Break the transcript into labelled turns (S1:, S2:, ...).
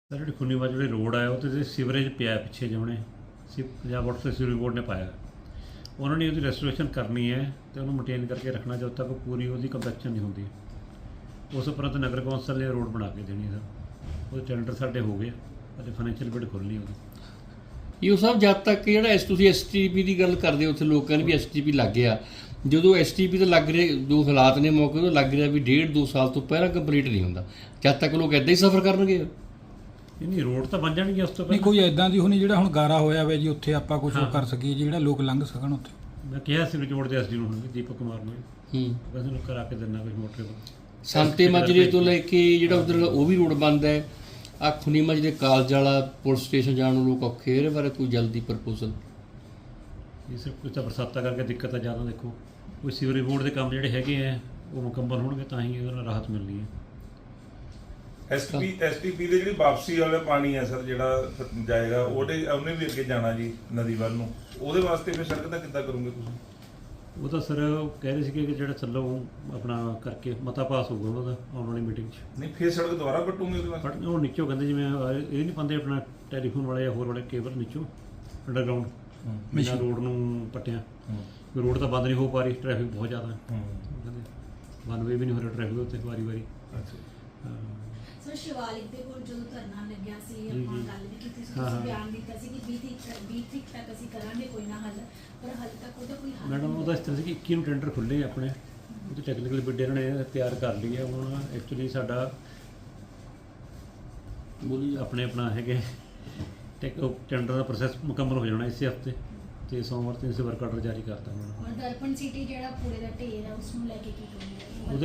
S1: Sir ਜਿਹੜੀ ਖੁੰਨੀ ਬਾਜੂ ਜਿਹੜੇ ਰੋਡ ਆਇਆ ਉਹਦੇ 'ਤੇ ਸੀਵਰੇਜ ਪਿਆ ਪਿੱਛੇ ਜਿਵੇਂ ਪੰਜਾਬ ਵਾਟਰ ਸਪਲਾਈ ਬੋਰਡ ਨੇ ਪਾਇਆ। ਉਹਨਾਂ ਨੇ ਉਹਦੀ ਰੈਸਟੋਰੇਸ਼ਨ ਕਰਨੀ ਹੈ ਅਤੇ ਉਹਨੂੰ ਮੇਨਟੇਨ ਕਰਕੇ ਰੱਖਣਾ ਜਦੋਂ ਤੱਕ ਪੂਰੀ ਉਹਦੀ ਕੰਪੈਕਸ਼ਨ ਨਹੀਂ ਹੁੰਦੀ। ਉਸ ਉਪਰੰਤ ਨਗਰ ਕੌਂਸਲ ਨੇ ਰੋਡ ਬਣਾ ਕੇ ਦੇਣੀ ਸਰ, ਉਹਦੇ ਟੈਂਡਰ ਸਾਡੇ ਹੋ ਗਏ ਅਤੇ ਫਾਈਨੈਂਸ਼ੀਅਲ ਬਿਡ ਖੁੱਲ੍ਹਣੀ ਉਹਦੀ।
S2: ਇਹ ਸਭ ਜਦ ਤੱਕ ਜਿਹੜਾ ਤੁਸੀਂ STP ਦੀ ਗੱਲ ਕਰਦੇ ਹੋ, ਉੱਥੇ ਲੋਕਾਂ ਨੇ ਵੀ STP ਲੱਗ ਗਿਆ। ਜਦੋਂ STP ਤਾਂ ਲੱਗ ਰਿਹਾ, ਜੋ ਹਾਲਾਤ ਨੇ ਮੌਕੇ ਤੋਂ ਲੱਗ ਰਿਹਾ ਵੀ 1.5-2 ਸਾਲ ਤੋਂ ਪਹਿਲਾਂ ਕੰਪਲੀਟ ਨਹੀਂ ਹੁੰਦਾ, ਜਦ ਤੱਕ ਲੋਕ ਇੱਦਾਂ ਹੀ ਸਫ਼ਰ ਕਰਨਗੇ।
S1: ਨਹੀਂ ਰੋਡ ਤਾਂ ਬਣ ਜਾਣਗੇ ਉਸ ਤੋਂ
S3: ਨਹੀਂ
S1: ਪਹਿਲਾਂ।
S3: ਕੋਈ ਇੱਦਾਂ ਦੀ ਹੋਣੀ ਜਿਹੜਾ ਹੁਣ ਗਾਰਾ ਹੋਇਆ ਵਾ ਜੀ, ਉੱਥੇ ਆਪਾਂ ਕੁਝ ਕਰ ਸਕੀਏ ਜਿਹੜਾ ਲੋਕ ਲੰਘ ਸਕਣ ਉੱਥੇ।
S1: ਮੈਂ ਕਿਹਾ ਸੀ ਰੋਡ ਦੇ SD ਨੂੰ ਹੁਣ ਦੀਪਕ ਕੁਮਾਰ ਨੂੰ ਬਸ ਇਹਨੂੰ ਕਰਾ ਕੇ ਦਿੰਦਾ ਕੁਝ ਮੋਟਰ
S2: ਸੰਤੇ ਮਾਜਰੇ ਤੋਂ ਲੈ ਕੇ ਜਿਹੜਾ ਉਧਰ ਉਹ ਵੀ ਰੋਡ ਬੰਦ ਹੈ। ਆ ਖੁੰਨੀ ਮਾਜਰੇ ਕਾਲਜ ਵਾਲਾ ਪੁਲਿਸ ਸਟੇਸ਼ਨ ਜਾਣ ਨੂੰ ਲੋਕ ਔਖੇ। ਇਹਦੇ ਬਾਰੇ ਕੋਈ ਜਲਦੀ ਪ੍ਰਪੋਜ਼ਲ?
S1: ਇਹ ਸਿਰਫ ਕੁਝ ਤਾਂ ਬਰਸਾਤਾਂ ਕਰਕੇ ਦਿੱਕਤ ਆ ਜ਼ਿਆਦਾ। ਦੇਖੋ ਕੋਈ ਸੀਵਰੇਜ ਬੋਰਡ ਦੇ ਕੰਮ ਜਿਹੜੇ ਹੈਗੇ ਆ ਉਹ ਮੁਕੰਮਲ ਹੋਣਗੇ ਤਾਂ ਹੀ ਉਹਦੇ ਨਾਲ ਰਾਹਤ ਮਿਲਣੀ ਹੈ।
S4: STP ਦੇ ਜਿਹੜੀ ਵਾਪਸੀ ਵਾਲਾ ਪਾਣੀ ਹੈ ਸਰ ਜਿਹੜਾ ਜਾਏਗਾ ਉਹਨੇ ਵੀ ਅੱਗੇ ਜਾਣਾ ਜੀ ਨਦੀ ਵੱਲ ਨੂੰ, ਉਹਦੇ ਵਾਸਤੇ ਫਿਰ ਸੜਕ ਦਾ ਕਿੱਦਾਂ ਕਰੋਗੇ ਤੁਸੀਂ? ਉਹ
S1: ਤਾਂ ਸਰ ਕਹਿ ਰਹੇ ਸੀਗੇ ਕਿ ਜਿਹੜਾ ਚੱਲੋ ਆਪਣਾ ਕਰਕੇ ਮਤਾ ਪਾਸ ਹੋਊਗਾ ਉਹਦਾ ਆਉਣ ਵਾਲੀ ਮੀਟਿੰਗ 'ਚ।
S4: ਨਹੀਂ ਫਿਰ ਸੜਕ ਦੁਬਾਰਾ ਪੱਟੂਗੇ ਉਹਦੇ ਵਾਸਤੇ?
S1: ਬਟ ਉਹ ਨੀਚੋਂ ਕਹਿੰਦੇ ਜਿਵੇਂ ਇਹ ਨਹੀਂ ਪਾਉਂਦੇ ਆਪਣਾ ਟੈਲੀਫੋਨ ਵਾਲੇ ਜਾਂ ਹੋਰ ਵਾਲੇ ਕੇਬਲ ਨੀਚੋਂ ਅੰਡਰਗਰਾਊਂਡ ਬਿਨਾਂ ਰੋਡ ਨੂੰ ਪੱਟਿਆ। ਰੋਡ ਤਾਂ ਬੰਦ ਨਹੀਂ ਹੋ ਪਾ ਰਹੀ, ਟ੍ਰੈਫਿਕ ਬਹੁਤ ਜ਼ਿਆਦਾ ਹੈ। ਕਹਿੰਦੇ ਵਨ ਵੇ ਵੀ ਨਹੀਂ ਹੋ ਰਿਹਾ ਟ੍ਰੈਫਿਕ ਉੱਤੇ ਵਾਰੀ।
S4: ਅੱਛਾ
S5: ਸਰ ਸ਼ਿਵਾਲਿਕ ਦੇ ਕੋਲ ਜਦੋਂ ਧਰਨਾ ਲੱਗਿਆ ਸੀ ਆਪਾਂ ਗੱਲ ਵੀ ਕੀਤੀ ਸੀ, ਤੁਸੀਂ ਬਿਆਨ ਦਿੱਤਾ ਸੀ ਕਿ 20 ਤਰੀਕ ਤੱਕ ਅਸੀਂ ਕਰਾਂਗੇ ਕੋਈ ਨਾ ਹੱਲ, ਪਰ ਹਾਲੇ ਤੱਕ ਉਹਦਾ ਕੋਈ ਹੱਲ
S1: ਮੈਡਮ ਉਹਦਾ ਇਸ ਤਰ੍ਹਾਂ ਸੀ ਕਿ 21 ਨੂੰ ਟੈਂਡਰ ਖੁੱਲ੍ਹੇ ਆਪਣੇ, ਉਹਦੇ ਟੈਕਨੀਕਲ ਬਿੱਡ ਇਹਨਾਂ ਨੇ ਤਿਆਰ ਕਰ ਲਈ ਹੈ। ਹੁਣ ਐਕਚੁਅਲੀ ਸਾਡਾ ਆਪਣਾ ਹੈਗੇ ਟੈਂਡਰ ਦਾ ਪ੍ਰੋਸੈਸ ਮੁਕੰਮਲ ਹੋ ਜਾਣਾ ਇਸੇ ਹਫ਼ਤੇ, ਤੇ ਸੋਮਵਾਰ ਤੋਂ ਇਸੇ ਵਰਕ ਆਰਡਰ ਜਾਰੀ ਕਰਤਾ ਉਹਨਾਂ ਨੇ।
S5: ਔਰ ਦਰਪਣ ਸਿਟੀ ਜਿਹੜਾ ਕੂੜੇ ਦਾ ਢੇਰ ਹੈ ਉਸ ਨੂੰ ਲੈ ਕੇ ਕੀ ਕਰੋਗੇ?